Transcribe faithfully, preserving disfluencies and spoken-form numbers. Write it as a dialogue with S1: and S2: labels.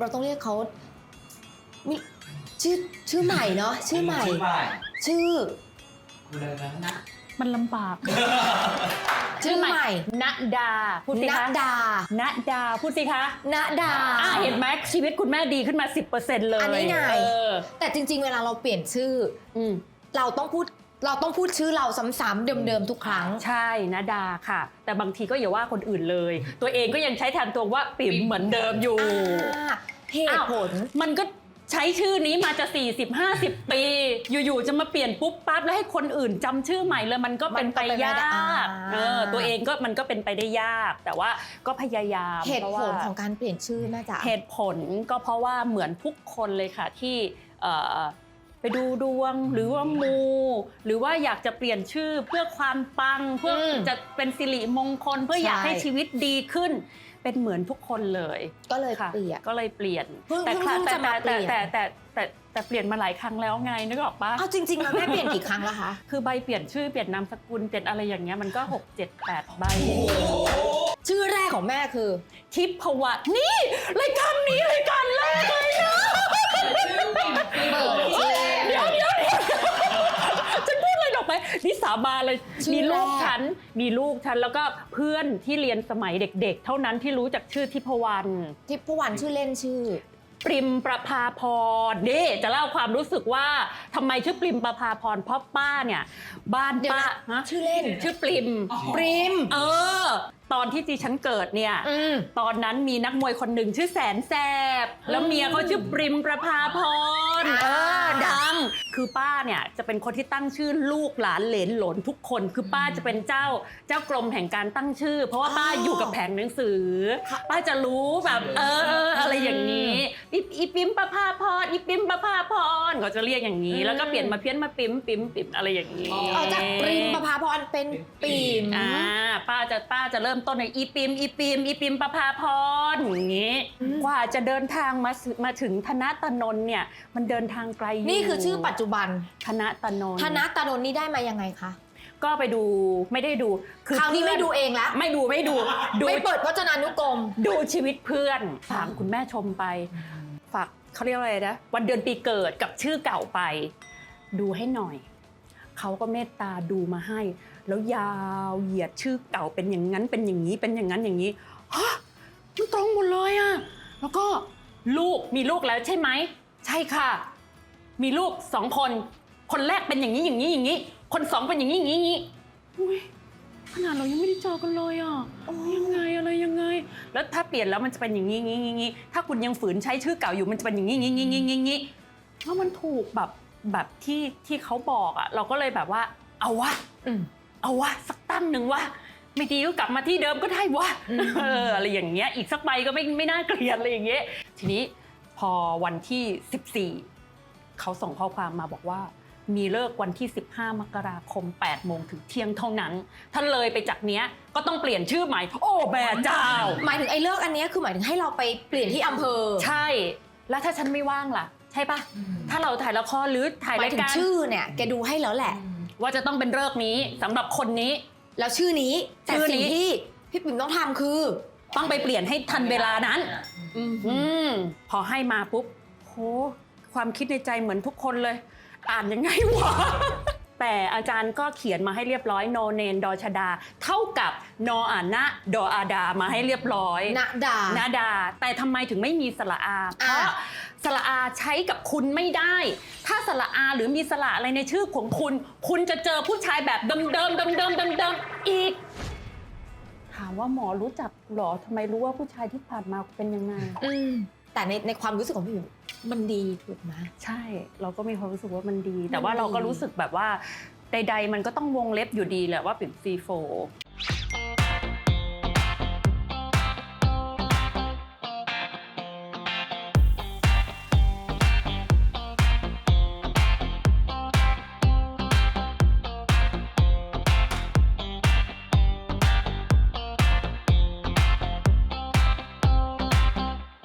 S1: เราต้องเรียกเขามีชื่อชื่อใหม่เนาะชื่อใหม่ ชื่อ
S2: อะไรนะ
S3: มันลำบาก
S1: ชื่อใหม่
S3: ณดาพูดสิคะ
S1: ณดา
S3: ณดาพูดสิคะ
S1: ณดา
S3: อ่าเห็นไหมชีวิตคุณแม่ดีขึ้นมา สิบเปอร์เซ็นต์ เลย
S1: อันนี้ไง
S3: เออ
S1: แต่จริงๆเวลาเราเปลี่ยนชื่ออืเราต้องพูดเราต้องพูดชื่อเราซ้ำๆเดิมๆทุกครั้ง
S3: ใช่ณดาค่ะ แต่บางทีก็อย่าว่าคนอื่นเลย ตัวเองก็ยังใช้แทนตัวว่าปิ่มเหมือนเดิมอยู่
S1: เหตุผล
S3: มันก็ใช้ชื่อนี้มาจะสี่สิบ ห้าสิบปีอยู่ๆจะมาเปลี่ยนปุ๊บปั๊บแล้วให้คนอื่นจำชื่อใหม่เลยมันก็เป็นไปยากเออตัวเองก็มันก็เป็นไปได้ยากแต่ว่าก็พยายาม
S1: เหตุผลของการเปลี่ยนชื่อน่าจะ
S3: เหตุผลก็เพราะว่าเหมือนทุกคนเลยค่ะที่ไปดูดวงหรือว่ามูหรือว่าอยากจะเปลี่ยนชื่อเพื่อความปังเพื่อจะเป็นสิริมงคลเพื่ออยากให้ชีวิตดีขึ้นเป็นเหมือนทุกคนเลย
S1: ก็เลยเปลี่ยน
S3: ก็เลยเปลี่ยน
S1: แต่
S3: แต่แต่แต่แต่แต่เปลี่ยนมาหลายครั้งแล้วไงนึกออกปะ
S1: เอาจริงๆแล้วแม่เปลี่ยนกี่ครั้งแล้วคะ
S3: คือใบเปลี่ยนชื่อเปลี่ยนนามสกุลเปลี่ยนอะไรอย่างเงี้ยมันก็หก เจ็ด แปดใบ
S1: ชื่อแรกของแม่คือ
S3: ทิพวรรณนี่รายการนี้รายการแรกเลยนะ
S1: เปิดชื่อ
S3: เดี๋ยวเดี๋ยวจะพูดอะไรดอกไหมนี่สาบานเลยมีลูกฉันมีลูกฉันแล้วก็เพื่อนที่เรียนสมัยเด็กๆเท่านั้นที่รู้จักชื่อทิพวรรณ
S1: ทิพวรรณชื่อเล่นชื่อ
S3: ปริมประภาพรนี่จะเล่าความรู้สึกว่าทำไมชื่อปริมประภาพรเพราะป้าเนี่ยบ้านป้า
S1: ชื่อเล่น
S3: ชื่อปริม
S1: ปริม
S3: เออตอนที่ดิฉันเกิดเนี่ยตอนนั้นมีนักมวยคนหนึ่งชื่อแสนแสบแล้วเมียเขาชื่อปริมประภาพรเออดังคือป้าเนี่ยจะเป็นคนที่ตั้งชื่อลูกหลานเหลนหลนทุกคนคือป้าจะเป็นเจ้าเจ้ากรมแห่งการตั้งชื่อเพราะว่าป้าอยู่กับแผงหนังสือป้าจะรู้แบบเอออะไรอย่างนี้อีปิมประภาพรอีปิมประภาพรเขาจะเรียกอย่างนี้แล้วก็เปลี่ยนมาเพี้ยนมาปิมปิมปิมอะไรอย่างนี้
S1: เอาจากปริมประภาพรเป็นปิม
S3: อ่าป้าจะป้าจะเริ่มต้นในอีปิมอีปิมอีปิมประภาพรอย่างนี้กว่าจะเดินทางมามาถึงธนตนนท์เนี่ยมันเดินทางไกลอยู่
S1: นี่คือชื่อปัจจุบัน
S3: ธนตนนท์
S1: ธนตนนท์นี่ได้มายังไงคะ
S3: ก็ไปดูไม่ได้ดู
S1: คือคราวนี้ไม่ดูเองแล้ว
S3: ไม่ดูไม่ดู
S1: ไม่เปิดพจนานุกรม
S3: ดูชีวิตเพื่อนฝากคุณแม่ชมไปฝากเขาเรียกอะไรนะวันเดือนปีเกิดกับชื่อเก่าไปดูให้หน่อยเขาก็เมตตาดูมาให้แล้วยาวเหยียดชื่อเก่าเป็นอย่างนั้นเป็นอย่างนี้เป็นอย่างนั้นอย่างนี้ฮะมันตรงหมดเลยอะแล้วก็ลูกมีลูกแล้วใช่ไหมใช่ค่ะมีลูกสองคนคนแรกเป็นอย่างนี้อย่างนี้อย่างนี้คนสองเป็นอย่างนี้อย่างนี้อย่างนี้อุ้ยขนาดเรายังไม่ได้เจอกันเลยอ่ะยังไงอะไรยังไงแล้วถ้าเปลี่ยนแล้วมันจะเป็นอย่างนี้อย่างนี้อย่างนี้ถ้าคุณยังฝืนใช้ชื่อเก่าอยู่มันจะเป็นอย่างนี้อย่างนี้อย่างนี้อย่างนี้แล้วมันถูกแบบแบบที่ที่เขาบอกอ่ะเราก็เลยแบบว่าเอาวะเอาวะสักตั้งหนึ่งวะไม่ดีก็กลับมาที่เดิมก็ได้วะเอออะไรอย่างเงี้ยอีกสักใบก็ไม่ไม่น่าเกลียดอะไรอย่างเงี้ยทีนี้พอวันที่สิบสี่เขาส่งข้อความมาบอกว่ามีเลิกวันที่สิบห้ามกราคมแปดโมงถึงเที่ยงเท่านั้นถ้าเลยไปจากเนี้ยก็ต้องเปลี่ยนชื่อใหม่โอ้แม่เจ้า
S1: หมายถึงไอ้เลิกอันนี้คือหมายถึงให้เราไปเปลี่ยนที่อำเภอ
S3: ใช่แล้วถ้าฉันไม่ว่างล่ะใช่ปะถ้าเราถ่ายละครหรือถ่ายรายการ
S1: ชื่อเนี่ยแกดูให้แล้วแหละ
S3: ว่าจะต้องเป็นเลิกนี้สำหรับคนนี้
S1: แล้วชื่อนี้แต่สิ่งที่พี่ปิ่มต้องทำคือ
S3: ต้องไปเปลี่ยนให้ทันเวลานั้นอืมพอให้มาปุ๊บโหความคิดในใจเหมือนทุกคนเลยอ่านยังไงวะแต่อาจารย์ก็เขียนมาให้เรียบร้อยโนเนนดอชดาเท่ากับนออ่านนะดออาดามาให้เรียบร้อย
S1: นะดา
S3: นะดาแต่ทำไมถึงไม่มีสระอาเพราะสระอาใช้กับคุณไม่ได้ถ้าสระอาหรือมีสระอะไรในชื่อของคุณคุณจะเจอผู้ชายแบบเดิมเดิมเดิมเดิมเดิมเดิมอีกถามว่าหมอรู้จักหรอทำไมรู้ว่าผู้ชายที่ผ่านมาเป็นยังไง
S1: แต่ในในความรู้สึกของพี่มันดีถูกไหม
S3: ใช่เราก็มีความรู้สึกว่ามันดีแต่ว่าเราก็รู้สึกแบบว่าใดๆมันก็ต้องวงเล็บอยู่ดีแหละว่าเป็นซีโฟ